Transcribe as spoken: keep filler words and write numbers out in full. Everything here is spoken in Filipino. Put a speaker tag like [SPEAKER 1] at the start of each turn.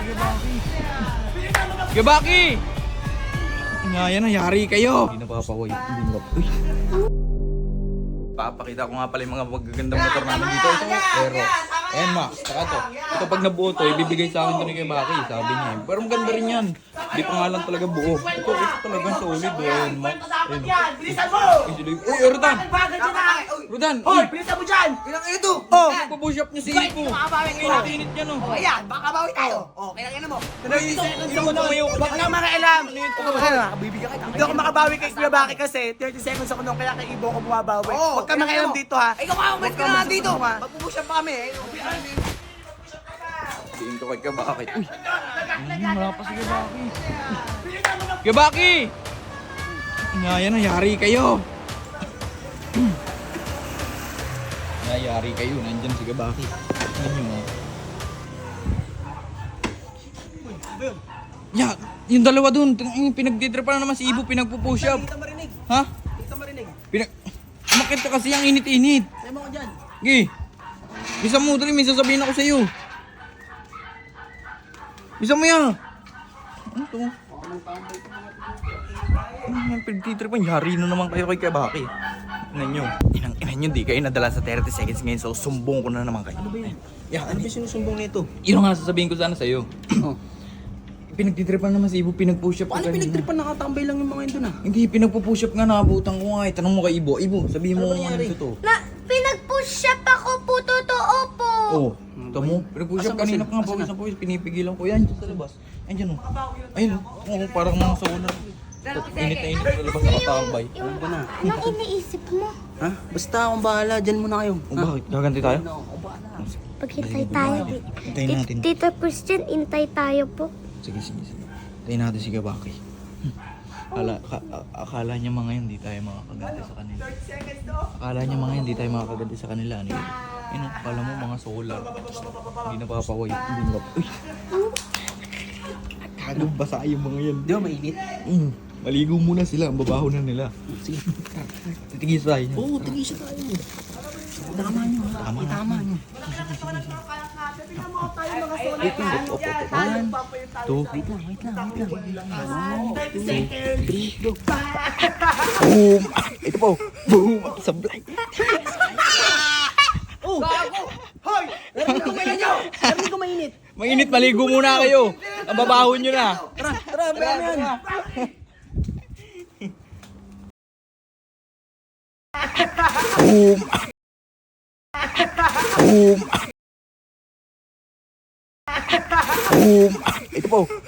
[SPEAKER 1] Gabaki! Nga yan, yari kayo! Hindi napapaway. Hindi na. Uy! Papakita ko nga pala yung mga magagandang motor namin dito. Ito, pero, ayan Max, saka to. Ito pag nabuo to, ibibigay sa akin to ni kay Baki, sabi niya. Pero maganda rin yan. Hindi pa nga lang talaga buo. Ito, ito talagang solid. Ayan, Max. Ayan.
[SPEAKER 2] Bilisan mo!
[SPEAKER 1] Uy, Rodan! Rodan!
[SPEAKER 2] Hoy, bilisan mo dyan!
[SPEAKER 3] Ilang ito?
[SPEAKER 1] Oh, pupush up niya si Ipo.
[SPEAKER 2] Makabawi
[SPEAKER 1] Ang
[SPEAKER 2] kayo.
[SPEAKER 1] init niya, no?
[SPEAKER 2] O ayan, baka bawi tayo. O, kailangan mo.
[SPEAKER 1] Ay, hindi mo tumayo.
[SPEAKER 2] Huwag kang makialam. Bibigyan kita. Hindi ako makabawi kay Kuya Baki kasi thirty seconds ako nung kaya kay Ibo ako bumabawi.
[SPEAKER 3] Oo,
[SPEAKER 2] Huwag kang
[SPEAKER 3] kailangan
[SPEAKER 2] makialam
[SPEAKER 3] mo.
[SPEAKER 2] dito ha.
[SPEAKER 3] Ikaw ka, umalis ka na dito. Magpupusyan pa kami eh.
[SPEAKER 1] Tingin ko kay Kabaki. Uy! Ay, wala pa si Kabaki. Kabaki! Nga yan, yari kayo. Yari kayo, nandyan si Kabaki. Tingnan nyo, oh. Ya, yung dalawa dun, pinagtitripa na naman si Ibo, pinagpupush up.
[SPEAKER 2] Dito marinig.
[SPEAKER 1] Ha?
[SPEAKER 2] Dito marinig.
[SPEAKER 1] Pinag... Umakit ka kasi ang init-init.
[SPEAKER 2] Sabi mo ko dyan.
[SPEAKER 1] Gi. Bisa mo, dali, may sasabihin ako sa'yo. Bisa mo yan. Ano to? Ano yung pinagtitripan? Yari na naman kayo kay Kabaki. Inan nyo. Inang inan nyo, di kayo nadala sa thirty seconds ngayon, so sumbong ko na naman kayo. Ano ba yun? Yeah,
[SPEAKER 2] Ano ba sinusumbong nito?
[SPEAKER 1] yun ang nga sasabihin ko sana sa'yo.
[SPEAKER 2] Oh.
[SPEAKER 1] Pinagtitripan naman si Ibo, pinag-push up.
[SPEAKER 2] Paano
[SPEAKER 1] ka kanina.
[SPEAKER 2] pinagtripan nakatambay lang yung mga yun dun ah?
[SPEAKER 1] Hindi, pinagpo-push up nga, nakabutan ko nga eh. Tanong mo kay Ibo. Ibo, sabihin mo
[SPEAKER 2] Ano ba
[SPEAKER 1] kung ano
[SPEAKER 2] nangyari?
[SPEAKER 1] yung totoo.
[SPEAKER 4] Na, pinag-push up ako po, totoo po.
[SPEAKER 1] Oo. Oh, tamo, pinag-push up
[SPEAKER 2] Asan ba
[SPEAKER 1] kanina
[SPEAKER 2] sila?
[SPEAKER 1] pa nga,
[SPEAKER 2] Asan
[SPEAKER 1] pawis
[SPEAKER 2] na?
[SPEAKER 1] na pawis, pinipigilan ko. Yan, dyan sa labas. Ayun o. Ayun o. Oo, parang mga solar. Init na init sa labas, nakatambay.
[SPEAKER 4] Yung,
[SPEAKER 2] Alam ko na.
[SPEAKER 4] anong iniisip mo?
[SPEAKER 2] Ha? Basta akong bahala, dyan muna kayo.
[SPEAKER 1] O bakit? Gaganti tayo?
[SPEAKER 4] Paghintay tayo.
[SPEAKER 1] Hintayin natin.
[SPEAKER 4] Tito Christian, intay tayo po.
[SPEAKER 1] Sige, sige, sige. Hintayin natin si Kabaki. Hmm. Ala, ka- a- akala niya mga yun, di tayo makakaganti sa kanila. Akala niya mga yun, di tayo makakaganti sa kanila. Ano yun? Ayun, akala mo mga solar. Hindi napapaway. Hindi na. Uy! Kagong basa yung mga yan.
[SPEAKER 2] Di ba mainit?
[SPEAKER 1] Mm. Maligo muna sila, ang babaho na nila.
[SPEAKER 2] Sige.
[SPEAKER 1] Titigis tayo.
[SPEAKER 2] Oo, tigisa tayo. Tama nyo ha.
[SPEAKER 1] Tama.
[SPEAKER 2] Tama nyo.
[SPEAKER 1] Wait lang, op, op, op.
[SPEAKER 2] One,
[SPEAKER 1] Two.
[SPEAKER 2] wait lang, wait lang, wait lang. One, two, three, go.
[SPEAKER 1] Boom! Ito po. Boom! Sablay.
[SPEAKER 2] Oh! Hoy! Narinig ko kailan nyo! Narinig ko mainit!
[SPEAKER 1] Mainit, maligo muna kayo. Ang babaho nyo na.
[SPEAKER 2] Tara, tara, tara yan!
[SPEAKER 1] Boom! Boom! Boom! Ito po.